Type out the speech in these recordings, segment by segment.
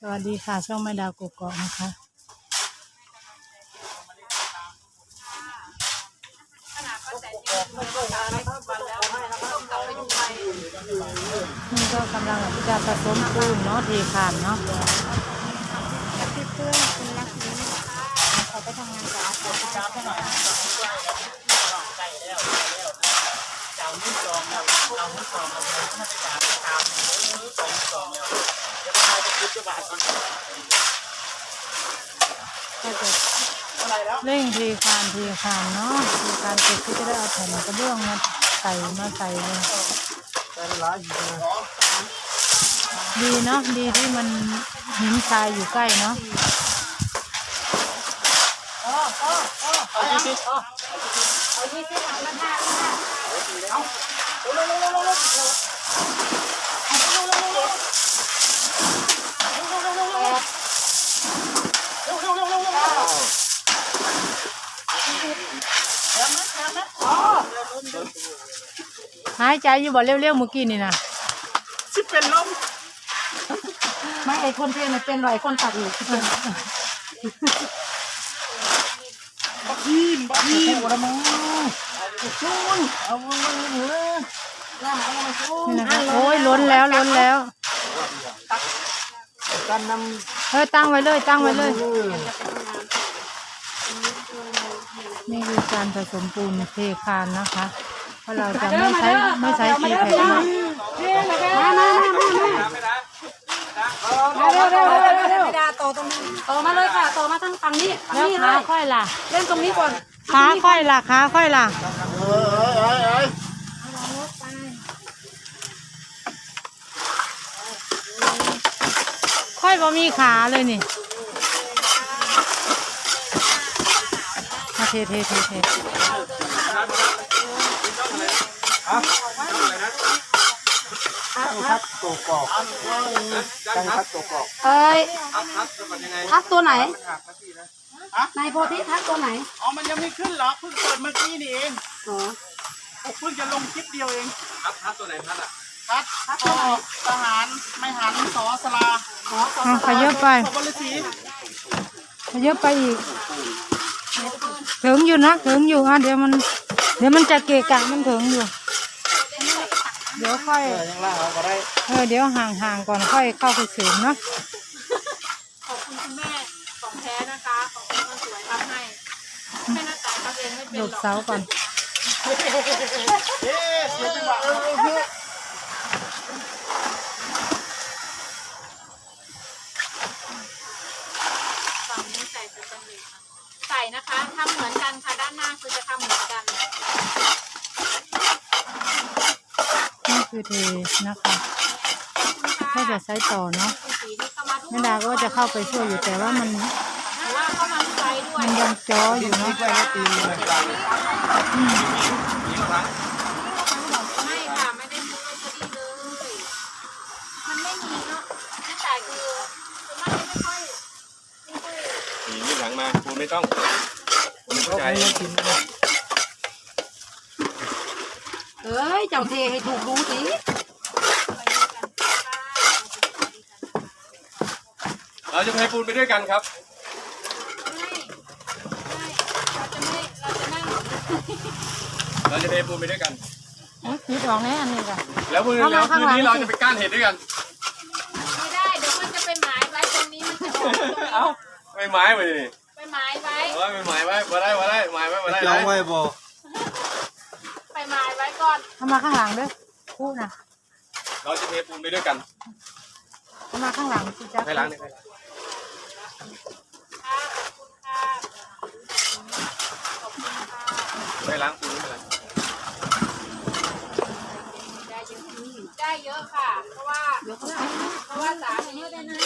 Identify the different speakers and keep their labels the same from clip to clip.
Speaker 1: สวัสดีค่ะช่องแม่ดาวกกอกนะคะนี่ก็กำลังจะผสมปูนเนาะเทคานเนาะ
Speaker 2: พี่เพื่อนคุณรักนี้เขาไปทำงานกับอาจารย์ได้ใช่ไหม
Speaker 1: ก็จะเร่งเทคานเนาะเทคานเสร็จก็จะได้เอาแผ่นกระเบื้องมาใส่เลยดีเนาะดีที่มันหินทรายอยู่ใกล้เนาะหายใจอยู่บ่เร็วๆเมื่อกี้นี่นะ
Speaker 3: สิเป็นลม
Speaker 2: ไม่ไอคนเทนเป็นรอยคนตัดอยู่ที่เป็น
Speaker 3: บักฮีนหัวละมั้งชูนเอาเลย
Speaker 1: นี่นะคะโอ้ยล้นแล้ว
Speaker 3: การน
Speaker 1: ตั้งไว้เลยนี่คือการผสมปูนเทคานนะคะเพราะเราจะไม่ใช้ตีแผ่น
Speaker 2: มาเร็วต่อตรงนี้ต่อมาเลยค่ะต่อมาทางฝั่งนี้
Speaker 1: แล้วขาค่อยล่ะ
Speaker 2: เล่นตรงนี้ก่อน
Speaker 1: ขาค่อยล่ะค่อยบ่มีขาเลยนี่เท
Speaker 3: ทัดตัวกอกตั้งทัดตัวกอก
Speaker 2: ทักตัวไหนนายโพธิทักตัวไหน
Speaker 3: อ๋อมันยังไม่ขึ้นหรอเพิ่งเปิดเมื่อกี้นี่เอง
Speaker 2: อ๋อ
Speaker 3: เพิ่งจะลงคลิปเดียวเอง
Speaker 4: ทัดตัวไหนทัดอ่ะ
Speaker 3: ทัดทหารไม่หันสอสลา
Speaker 1: ขยับไปอีกถึงอยู่นะอ่ะเดี๋ยวมันจะเกะกะมันถึงอยู่เดี๋ยวค่อยเดี๋ยวห่างก่อนค่อยเข้าไปเสริมเนาะ
Speaker 2: ขอบคุณคุณแม่ของแท้นะคะของคุณมันสวยทำให้แม่หน้าตาทำเองไม่เป็นหรอก
Speaker 1: หลบเสาก่อน
Speaker 2: ฝั่งนี้ใส่ตัวตรงนี้ใส่นะคะทำเหมือนกันค่ะด้านหน้าคือจะทำเหมือนกัน
Speaker 1: นี่คือเทนะคะถ้าจะใช้ต่อเนาะแม่ดาก็จะเข้าไปช่วยอยู่แต่ว่ามันยังจ้ออยู่เนาะ
Speaker 2: ไม่ค่ะไม่ได้ซื้อพอดีเลยมันไม่มีเนาะที่จ่ายคือมันไม่ค่อย
Speaker 4: มีหลังมาคุณไม่ต้องคุณเข้าใจ
Speaker 2: เอ้ยเจ้าเทให้ถูกรู้สิ
Speaker 4: เราจะเทปูนไปด้วยกันครับเราจะเทปูนไปด้วยกัน
Speaker 1: คิดออกแน่อันนี้ค่ะ
Speaker 4: แล้วคืนนี้เราจะไปก้านเห็ดด้วยกัน
Speaker 2: ไม่ได้เดี๋ยวมันจะไปหมายไว้ตรงนี้มันจะออก
Speaker 4: เอ้าไปหมายไปดิ
Speaker 2: ไปหมายไว้
Speaker 4: ไปหมายไว้มาได้หมายไว้มาได้
Speaker 3: จ้องไว้บ่
Speaker 2: ไปหมายไว้ก่อน
Speaker 1: ทำมาข้างหลังด้วยคู่นะ
Speaker 4: เราจะเทปูนไปด้วยกัน
Speaker 1: ทำมาข้างหลังสิจ๊ะ
Speaker 4: ให้ล้างนี่ไปล้างปูนนี่เลย
Speaker 2: ได้เยอะค่ะเพราะว่าสามีได้นะ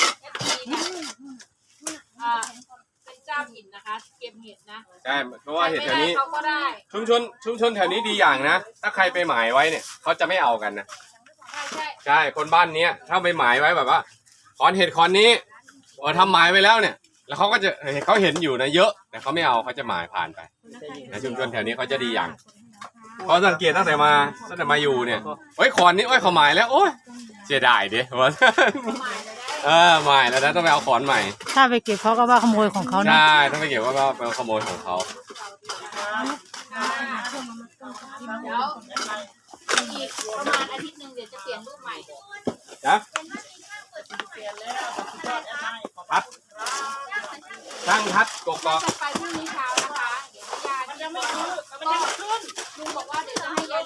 Speaker 2: เป็นเจ้าหินนะคะเก็บเห็ดนะ
Speaker 4: ใช่เพราะว่าเห็ดแถวนี้
Speaker 2: เขาก็ได้
Speaker 4: ชุมชนแถวนี้ดีอย่างนะถ้าใครไปหมายไว้เนี่ยเขาจะไม่เอากันนะใช่คนบ้านนี้ถ้าไปหมายไว้แบบว่าขอนเห็ดขอนนี้ทำหมายไว้แล้วเนี่ยแล้วเขาก็จะเขาเห็นอยู่นะเยอะแต่เขาไม่เอาเขาจะหมายผ่านไปนะชุมชนแถวนี้เขาจะดีอย่างเพราะสังเกตตั้งแต่มาอยู่เนี่ยโอ้ยขอนนี้โอ้ยเขาหมายแล้วโอ้ยเสียดายดิว่าใหม่แล้วนะต้องไปเอาขอนใหม่
Speaker 1: ถ้าไปเก็บเขาก็ว่าขโมยของเขานะ
Speaker 4: ใช่ต้องไปเก็บว่าเป็นขโมยของเขา
Speaker 2: เดี๋ยวอีกประมาณอาทิตย์หนึ่งเดี๋ยวจะเปลี่ยนรูปใหม่
Speaker 4: นะพัดช่างพัดกกอก
Speaker 2: จะไปพรุ่งนี้เช้านะคะ เดี๋ยวพี่ยาจะไม่ซื้อก็ลุงบอกว่าเดี๋ยวจะให้ยาย